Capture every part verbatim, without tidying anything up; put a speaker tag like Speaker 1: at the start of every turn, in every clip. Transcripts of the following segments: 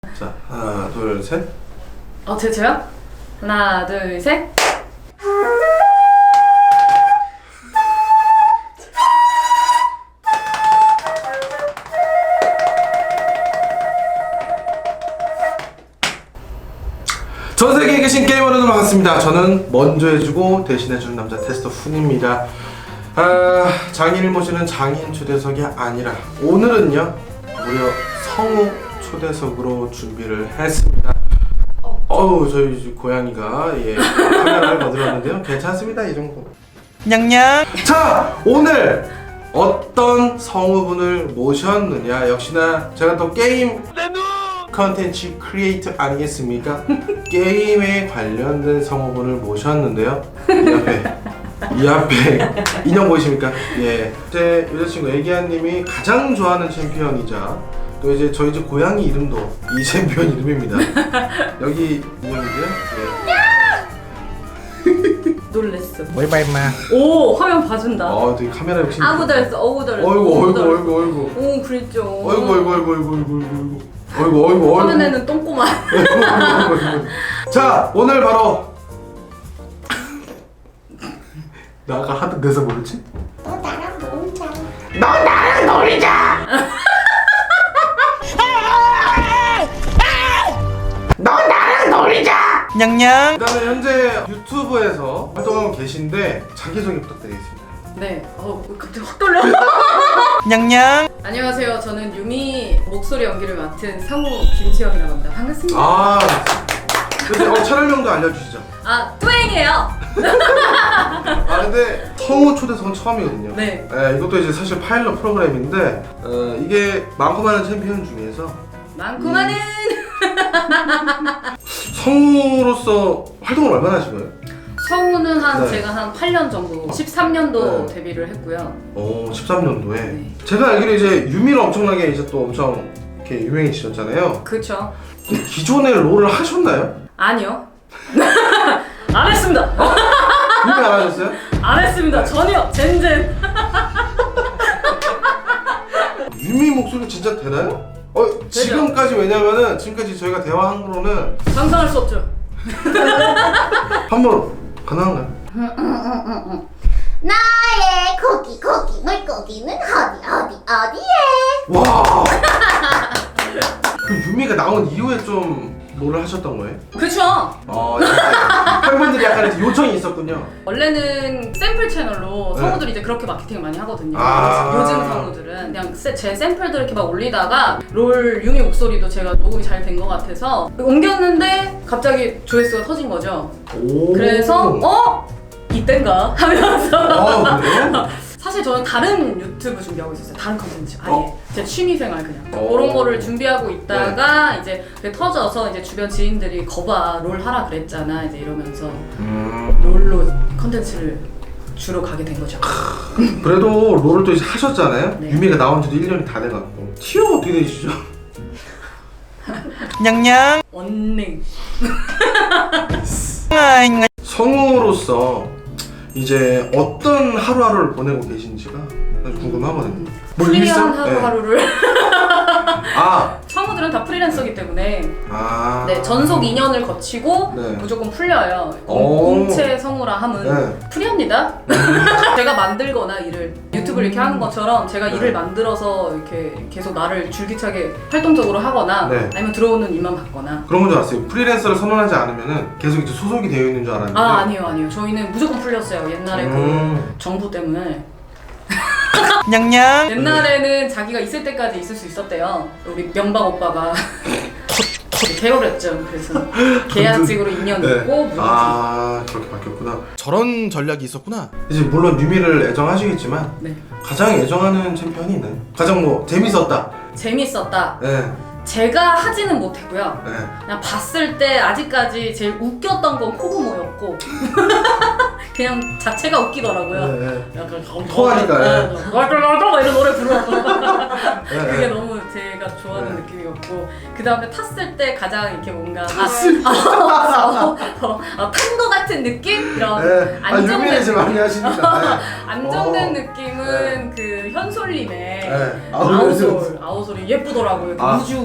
Speaker 1: 자, 하나, 둘, 셋.
Speaker 2: 어, 제, 저요? 하나, 둘, 셋.
Speaker 1: 전 세계에 계신 게이머 여러분 반갑습니다. 저는 먼저 해주고 대신해주는 남자 테스터 훈입니다. 아, 장인을 모시는 장인 초대석이 아니라 오늘은요 무려 성우 초대석으로 준비를 했습니다. 어우, 저희 고양이가 예 카메라를 거들었는데요. 괜찮습니다, 이 정도.
Speaker 3: 냥냥.
Speaker 1: 자, 오늘 어떤 성우분을 모셨느냐, 역시나 제가 또 게임 컨텐츠 크리에이터 아니겠습니까? 게임에 관련된 성우분을 모셨는데요. 이 앞에 이 앞에 인형 보이십니까? 예, 제 여자친구 애기야님이 가장 좋아하는 챔피언이자 또 이제 저희 집 고양이 이름도 이 챔피언 이름입니다. 여기 인형이고요. 예.
Speaker 2: 놀랬어.
Speaker 3: 뭘 밟마.
Speaker 2: 오, 화면 봐준다.
Speaker 1: 아, 되게 카메라 욕심.
Speaker 2: 아구도 했어, 어구도 했어.
Speaker 1: 어이구, 어이구, 어이구, 어이구.
Speaker 2: 오, 그랬죠.
Speaker 1: 어이구, 어이구, 어이구, 어이구, 어이구, 어이구. 어이구, 어이구, 어이구.
Speaker 2: 화면에는 똥꼬만.
Speaker 1: 자, 오늘 바로 나 아까 하던 대사 뭐였지?
Speaker 4: 너 나랑 놀자.
Speaker 1: 너 나랑 놀자. 너 나랑 놀자.
Speaker 3: 냥냥.
Speaker 1: 그다음에 현재 유튜브에서 활동하고 계신데 자기소개 부탁드리겠습니다.
Speaker 2: 네, 어, 갑자기 확 떨려.
Speaker 3: 냥냥.
Speaker 2: 안녕하세요. 저는 유미 목소리 연기를 맡은 성우 김지영이라고 합니다. 반갑습니다.
Speaker 1: 아, 근데 어, 촬영명도 알려주시죠.
Speaker 2: 아, 뚜행이에요.
Speaker 1: 아, 근데 성우 초대석은 처음이거든요.
Speaker 2: 네.
Speaker 1: 네, 이것도 이제 사실 파일럿 프로그램인데 어, 이게 많고 많은 챔피언 중에서
Speaker 2: 많고 많은
Speaker 1: 성우로서 활동을 얼마나 하신 거예요?
Speaker 2: 성우는 한
Speaker 1: 네.
Speaker 2: 제가 한 팔 년 정도, 십삼 년도
Speaker 1: 네.
Speaker 2: 데뷔를 했고요.
Speaker 1: 오, 십삼 년도에.
Speaker 2: 네.
Speaker 1: 제가 알기로 이제 유미로 엄청나게 이제 또 엄청 이렇게 유명해지셨잖아요.
Speaker 2: 그렇죠.
Speaker 1: 기존에 롤을 하셨나요?
Speaker 2: 아니요. 안 했습니다.
Speaker 1: 유미 안 하셨어요?
Speaker 2: 안 했습니다. 전혀. 젠젠.
Speaker 1: 유미 목소리 진짜 되나요? 어, 지금까지 왜냐면은 지금까지 저희가 대화한 거로는
Speaker 2: 상상할 수 없죠.
Speaker 1: 한번 가능한가요?
Speaker 4: 나의 고기 고기 물고기는 어디 어디 어디에?
Speaker 1: 와. 그 유미가 나온 이후에 좀 롤을 하셨던 거예요?
Speaker 2: 그렇죠.
Speaker 1: 어, 약간 팬분들이 약간 이제 요청이 있었군요.
Speaker 2: 원래는 샘플 채널로
Speaker 1: 네.
Speaker 2: 성우들이 이제 그렇게 마케팅을 많이 하거든요.
Speaker 1: 아.
Speaker 2: 요즘 성우들은 그냥 세- 제 샘플들 이렇게 막 올리다가 롤 유미 목소리도 제가 녹음이 잘 된 것 같아서 옮겼는데 갑자기 조회수가 터진 거죠.
Speaker 1: 오.
Speaker 2: 그래서 어? 이땐가 하면서
Speaker 1: 아, 그래요?
Speaker 2: 사실 저는 다른 유튜브 준비하고 있었어요. 다른 컨텐츠 아예
Speaker 1: 어?
Speaker 2: 제 취미생활 그냥
Speaker 1: 오.
Speaker 2: 그런 거를 준비하고 있다가 이제 그게 터져서 이제 주변 지인들이 거봐 롤 하라 그랬잖아 이제 이러면서
Speaker 1: 음.
Speaker 2: 롤로 컨텐츠를 주로 가게 된 거죠.
Speaker 1: 그래도 롤을 또 이제 하셨잖아요?
Speaker 2: 네.
Speaker 1: 유미가 나온 지도 일 년이 다 돼갖고 티어가 어떻게 되시죠?
Speaker 3: 냥냥.
Speaker 2: 언능.
Speaker 3: 아잉.
Speaker 1: 성우로서 이제 어떤 하루하루를 보내고 계신지가 아주 궁금하거든요. 뭐
Speaker 2: 프리한
Speaker 1: 일상?
Speaker 2: 하루하루를
Speaker 1: 네. 아,
Speaker 2: 성우들은 다 프리랜서기 때문에
Speaker 1: 아.
Speaker 2: 네 전속 이 년을 거치고
Speaker 1: 네.
Speaker 2: 무조건 풀려요.
Speaker 1: 오.
Speaker 2: 공채 성우라 함은
Speaker 1: 네.
Speaker 2: 프리합니다. 제가 만들거나 일을 유튜브를 이렇게 하는 것처럼 제가
Speaker 1: 네.
Speaker 2: 일을 만들어서 이렇게 계속 나를 줄기차게 활동적으로 하거나
Speaker 1: 네.
Speaker 2: 아니면 들어오는 일만 받거나.
Speaker 1: 그런 건 줄 알았어요. 프리랜서를 선언하지 않으면은 계속 이제 소속이 되어 있는 줄 알았는데.
Speaker 2: 아 아니요 아니요 저희는 무조건 풀렸어요. 옛날에
Speaker 1: 음.
Speaker 2: 그 정부 때문에.
Speaker 3: 냥냥.
Speaker 2: 옛날에는 자기가 있을 때까지 있을 수 있었대요. 우리 명박 오빠가 개월했죠. 그래서 계약직으로 이 년
Speaker 1: 네.
Speaker 2: 있고 무조건.
Speaker 1: 아, 그렇게 바뀌었구나. 저런 전략이 있었구나. 이제 물론 유미를 애정하시겠지만
Speaker 2: 네.
Speaker 1: 가장 애정하는 챔피언이 있나요? 가장 뭐 재밌었다.
Speaker 2: 재밌었다.
Speaker 1: 네.
Speaker 2: 제가 하지는 못했고요.
Speaker 1: 네.
Speaker 2: 그냥 봤을 때 아직까지 제일 웃겼던 건 코그모였고 그냥 자체가 웃기더라고요.
Speaker 1: 네.
Speaker 2: 약간
Speaker 1: 토하니까, 네.
Speaker 2: 널떨널떨 이런 노래 부르고
Speaker 1: 네.
Speaker 2: 그게 너무 제가 좋아하는
Speaker 1: 네.
Speaker 2: 느낌이었고 그 다음에 탔을 때 가장 이렇게 뭔가
Speaker 1: 탔을
Speaker 2: 아, 아, 어, 어, 어, 탄거 같은 느낌? 이런
Speaker 1: 네. 아,
Speaker 2: 안정된
Speaker 1: 유미를 이제 많이 하십니다. 네.
Speaker 2: 안정된
Speaker 1: 어.
Speaker 2: 느낌은 그 현솔님의
Speaker 1: 네.
Speaker 2: 아우솔
Speaker 1: 아우솔.
Speaker 2: 아우솔이 예쁘더라고요. 그
Speaker 1: 아.
Speaker 2: 우주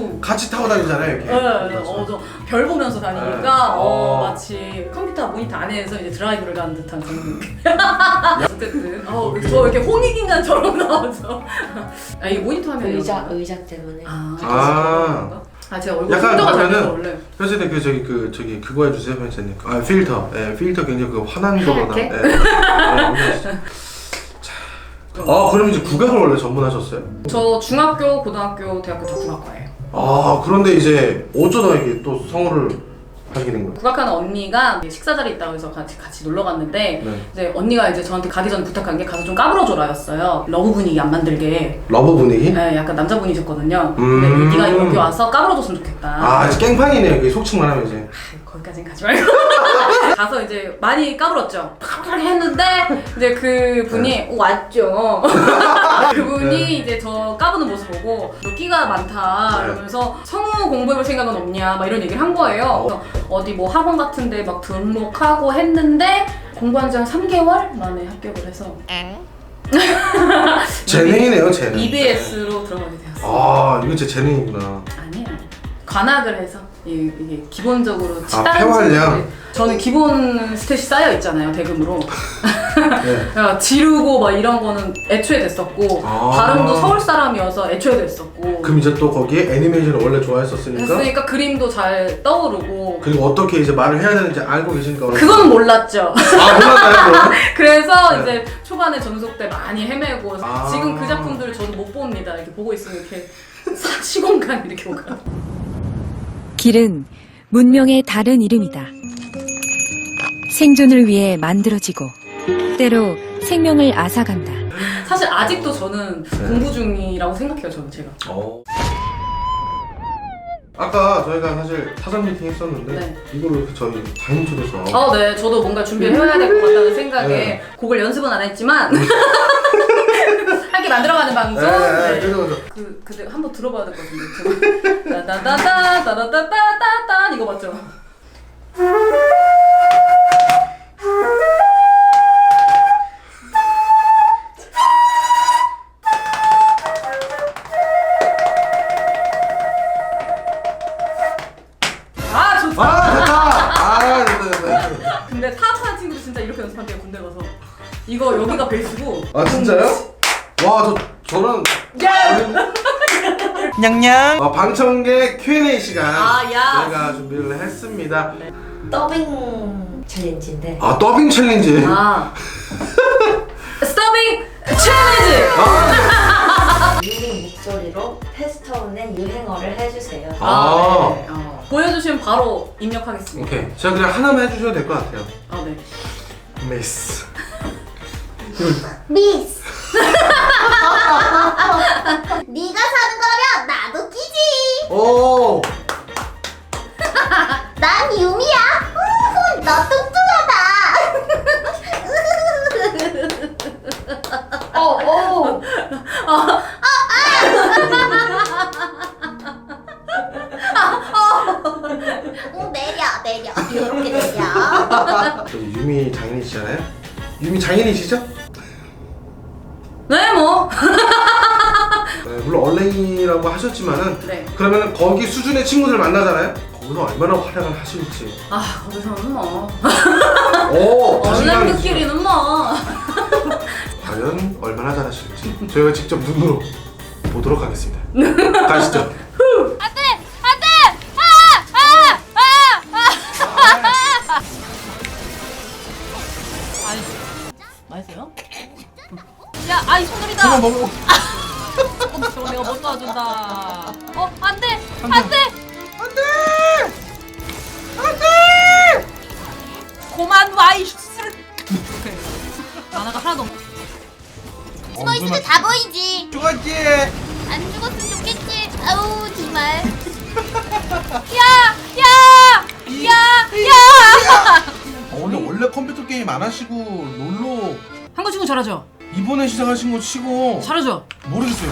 Speaker 2: 오.
Speaker 1: 같이 타고 다니잖아요 이렇게.
Speaker 2: 네, 어, 저 별 보면서 다니니까
Speaker 1: 네.
Speaker 2: 어,
Speaker 1: 어.
Speaker 2: 마치 컴퓨터 모니터 안에서 이제 드라이브를 가는 듯한 그런 느낌. 어쨌든 어, 저 이렇게 홍익인간처럼 나오죠. 아, 이 모니터 화면이
Speaker 5: 의자 의자 때문에.
Speaker 2: 아,
Speaker 1: 아.
Speaker 2: 아 제가 얼굴
Speaker 1: 약간
Speaker 2: 풍도가 잘 돼서
Speaker 1: 그러면은
Speaker 2: 원래.
Speaker 1: 현진이 그 저기 그 저기 그거 해주세요 현진님. 아 필터. 예 필터 굉장히 그 환한 거보다.
Speaker 2: 하얗게?
Speaker 1: 예. 아, 자. 아 그럼 이제 국악을 원래 전문하셨어요?
Speaker 2: 저 중학교, 고등학교, 대학교 다 국악과예요.
Speaker 1: 아 그런데 이제 어쩌다 이게 또 성우를 하시게 된 거예요?
Speaker 2: 국악하는 언니가 식사 자리 있다고 해서 같이 같이 놀러 갔는데
Speaker 1: 네.
Speaker 2: 이제 언니가 이제 저한테 가기 전에 부탁한 게 가서 좀 까불어줘라였어요. 러브 분위기 안 만들게.
Speaker 1: 러브 분위기?
Speaker 2: 네, 약간 남자분이셨거든요.
Speaker 1: 음.
Speaker 2: 근데 네가 여기 와서 까불어줬으면 좋겠다.
Speaker 1: 아 이제 깽판이네요. 이게 속칭만 하면 이제.
Speaker 2: 거기까진 가지 말고 가서 이제 많이 까불었죠. 까불 했는데 이제 그 분이 오, 왔죠. 그분이
Speaker 1: 네.
Speaker 2: 이제 저 까부는 모습 보고 너 끼가 많다
Speaker 1: 네.
Speaker 2: 이러면서 성우 공부해볼 생각은 없냐 막 이런 얘기를 한 거예요. 그래서 어디 뭐 학원 같은데 막 등록하고 했는데 공부한 지 한 삼 개월 만에 합격을 해서
Speaker 1: 재능이네요 재능.
Speaker 2: 이비에스로 들어가게 되었어요.
Speaker 1: 아 이거 제 재능이구나.
Speaker 2: 아니에요. 관악을 해서 이- 이게 기본적으로
Speaker 1: 아,
Speaker 2: 다른
Speaker 1: 폐활량?
Speaker 2: 친구들이- 저는 기본 스탯이 쌓여 있잖아요 대금으로.
Speaker 1: 네.
Speaker 2: 그러니까 지르고 막 이런 거는 애초에 됐었고
Speaker 1: 아.
Speaker 2: 발음도 서울 사람이어서 애초에 됐었고.
Speaker 1: 그럼 이제 또 거기에 애니메이션을 원래 좋아했었으니까.
Speaker 2: 했으니까 그림도 잘 떠오르고.
Speaker 1: 그리고 어떻게 이제 말을 해야 되는지 알고 계시니까. 어느
Speaker 2: 그건 몰랐죠.
Speaker 1: 아 몰랐나요 그럼?
Speaker 2: 그래서
Speaker 1: 네.
Speaker 2: 이제 초반에 전속 때 많이 헤매고
Speaker 1: 아.
Speaker 2: 지금 그 작품들을 저도 못 봅니다. 이렇게 보고 있으면 이렇게 사- 시공간 이렇게 오가.
Speaker 6: 길은 문명의 다른 이름이다. 생존을 위해 만들어지고 때로 생명을 앗아간다.
Speaker 2: 사실 아직도 저는
Speaker 1: 네.
Speaker 2: 공부 중이라고 생각해요. 저는 제가.
Speaker 1: 어. 아까 저희가 사실 사전 미팅 했었는데
Speaker 2: 네.
Speaker 1: 이걸로 이렇게 저희 다인 초대서.
Speaker 2: 어, 네. 저도 뭔가 준비를 해야 될 것 같다는 생각에
Speaker 1: 네.
Speaker 2: 곡을 연습은 안 했지만 함께 만들어가는 방송.
Speaker 1: 네, 네,
Speaker 2: 네.
Speaker 1: 그래서
Speaker 2: 그 근데 한번 들어봐야 될 것 같은데. 따다다다 따다다다다다 이거 맞죠? 아 좋다.
Speaker 1: 아 됐다. 아 됐다 됐다. 됐다.
Speaker 2: 근데 사업하는 친구들 진짜 이렇게 연습한대요 군대 가서. 이거 여기가 베이스고.
Speaker 1: 아 진짜요? 와 저 저는.
Speaker 3: 냥냥.
Speaker 1: 아, 방청객 큐 앤 에이 시간
Speaker 2: 아, 야.
Speaker 1: 저희가 준비를 했습니다.
Speaker 5: 더빙 챌린지인데.
Speaker 1: 아 더빙 챌린지.
Speaker 2: 아. 스토빙 챌린지.
Speaker 1: 아,
Speaker 5: 유민 목소리로 패스터운의 유행어를 해주세요.
Speaker 1: 아.
Speaker 2: 네. 어. 보여주시면 바로 입력하겠습니다.
Speaker 1: 오케이. 제가 그냥 하나만 해주셔도 될 것 같아요.
Speaker 2: 아 네.
Speaker 1: 미스.
Speaker 4: 미스. 네가 사는 거라면 나도 끼지.
Speaker 1: 오.
Speaker 4: 난 유미야. 우후, 너 뚱뚱하다.
Speaker 5: 어, 어.
Speaker 4: 응, 내려 내려 이렇게 내려.
Speaker 1: 저기 유미 장인이시잖아요. 유미 장인이시죠?
Speaker 2: 네 뭐.
Speaker 1: 네, 물론 얼랭이라고 하셨지만은
Speaker 2: 네.
Speaker 1: 그러면 거기 수준의 친구들 만나잖아요. 거기서 얼마나 활약을 하실지.
Speaker 2: 아 거기서는 뭐.
Speaker 1: 오. 자신감이 있으시죠?
Speaker 2: 얼랭이끼리는 뭐.
Speaker 1: 과연 얼마나 잘하실지 저희가 직접 눈으로 보도록 하겠습니다. 가시죠.
Speaker 2: 맛있어요? 야, 아이 손놀이다.
Speaker 1: 한번 먹어.
Speaker 2: 어, 저거 내가 못 도와준다. 어, 안 돼, 안 돼. 고만 와이 쓰르. 만화가 하나도 없.
Speaker 4: 숨어 있으면 다 보이지.
Speaker 3: 죽었지.
Speaker 4: 안 죽었으면 좋겠지. 아우 정말.
Speaker 2: 야, 야, 야, 야.
Speaker 1: 어, 근데 원래 컴퓨터 게임 안 하시고 롤로
Speaker 2: 한국 친구 잘하죠?
Speaker 1: 이번에 시작하신 거 치고
Speaker 2: 잘하죠?
Speaker 1: 모르겠어요.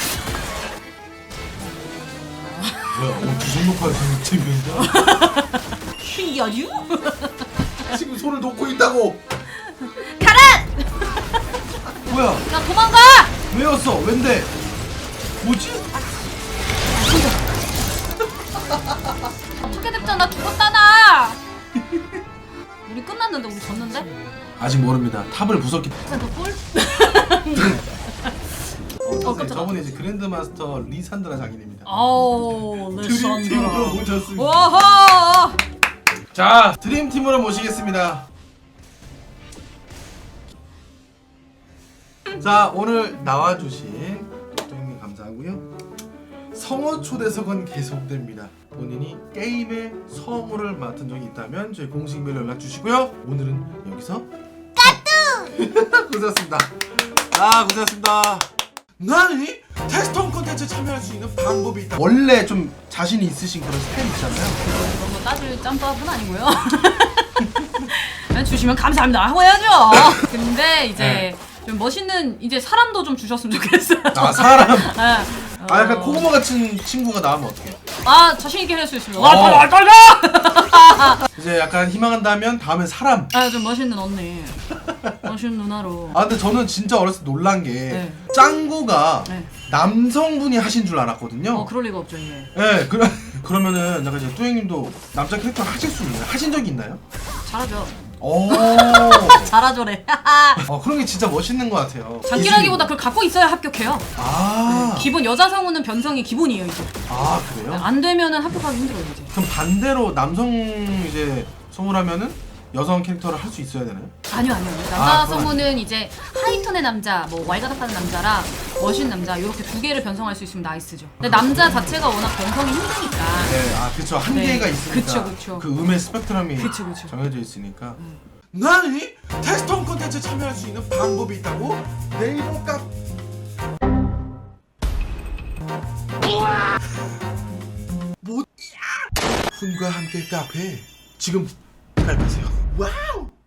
Speaker 1: 뭐야? 어, 주선 녹화하시는 챔피언이다.
Speaker 2: 신기하지?
Speaker 1: 지금 손을 놓고 있다고.
Speaker 2: 가라!
Speaker 1: 뭐야?
Speaker 2: 야, 도망가!
Speaker 1: 왜였어? 왠데? 뭐지?
Speaker 2: 어떻게 됐잖아. 죽었다 나. 우리 끝났는데 우리 졌는데?
Speaker 1: 아직 모릅니다. 탑을 부쉈기
Speaker 2: 센터 볼?
Speaker 1: 어, 선생님,
Speaker 2: 깜짝이야.
Speaker 1: 저분이 이제 그랜드마스터 리산드라 장인입니다.
Speaker 2: 아우
Speaker 1: 드림팀으로 모셨습니다.
Speaker 2: 와하.
Speaker 1: 자, 드림팀으로 모시겠습니다. 자, 오늘 나와주신 형님 감사하고요. 성어 초대석은 계속됩니다. 본인이 게임의 성우를 맡은 적이 있다면 저희 공식 메일 연락 주시고요. 오늘은 여기서 까뚜! 고생하셨습니다. 아, 고생하셨습니다. 나니 테스트홈 콘텐츠 참여할 수 있는 방법이 있다. 원래 좀 자신이 있으신 그런 스타일 있잖아요.
Speaker 2: 그런 거 따질 짬밥은 아니고요. 그냥 주시면 감사합니다 하고 해야죠. 근데 이제
Speaker 1: 네.
Speaker 2: 좀 멋있는 이제 사람도 좀 주셨으면 좋겠어요.
Speaker 1: 아, 사람.
Speaker 2: 네.
Speaker 1: 아, 약간
Speaker 2: 어.
Speaker 1: 코고모 같은 친구가 나오면 어떡해?
Speaker 2: 아 자신 있게 할 수 있습니다.
Speaker 1: 어.
Speaker 2: 와 빨리 빨리.
Speaker 1: 이제 약간 희망한다면 다음엔 사람.
Speaker 2: 아좀 멋있는 언니, 멋있는 누나로.
Speaker 1: 아, 근데 저는 진짜 어렸을 때 놀란 게
Speaker 2: 네.
Speaker 1: 짱구가
Speaker 2: 네.
Speaker 1: 남성분이 하신 줄 알았거든요.
Speaker 2: 어 그럴 리가 없죠 이게.
Speaker 1: 네, 그러, 그러면은 약간 이제 뚜행님도 남자 캐릭터 하실 수 있나요? 하신 적이 있나요?
Speaker 2: 잘하죠.
Speaker 1: 오.
Speaker 2: 잘하죠래.
Speaker 1: 어, 그런 게 진짜 멋있는 것 같아요.
Speaker 2: 장기라기보다 그걸 갖고 있어야 합격해요.
Speaker 1: 아,
Speaker 2: 기본 여자 성우는 변성이 기본이에요 이제.
Speaker 1: 아 그래요?
Speaker 2: 안 되면은 합격하기 힘들어요 이제.
Speaker 1: 그럼 반대로 남성 이제 성우라면은 여성 캐릭터를 할 수 있어야 되나요?
Speaker 2: 아니요 아니요. 남자
Speaker 1: 아, 그건
Speaker 2: 성우는 이제 하이톤의 남자, 뭐 왈가닥하는 남자랑 멋있는 남자 이렇게 두 개를 변성할 수 있으면 나이스죠. 근데 남자 자체가 워낙 변성이 힘드니까.
Speaker 1: 네, 아 그쵸 한계가
Speaker 2: 네.
Speaker 1: 있으니까.
Speaker 2: 그쵸, 그쵸.
Speaker 1: 그 음의 스펙트럼이
Speaker 2: 그쵸, 그쵸.
Speaker 1: 정해져 있으니까. 나니 테스트홈 콘텐츠 참여할 수 있는 방법이 있다고? 네이버 카 뭐? 훈과 함께 카페 지금 가입하세요. 와우.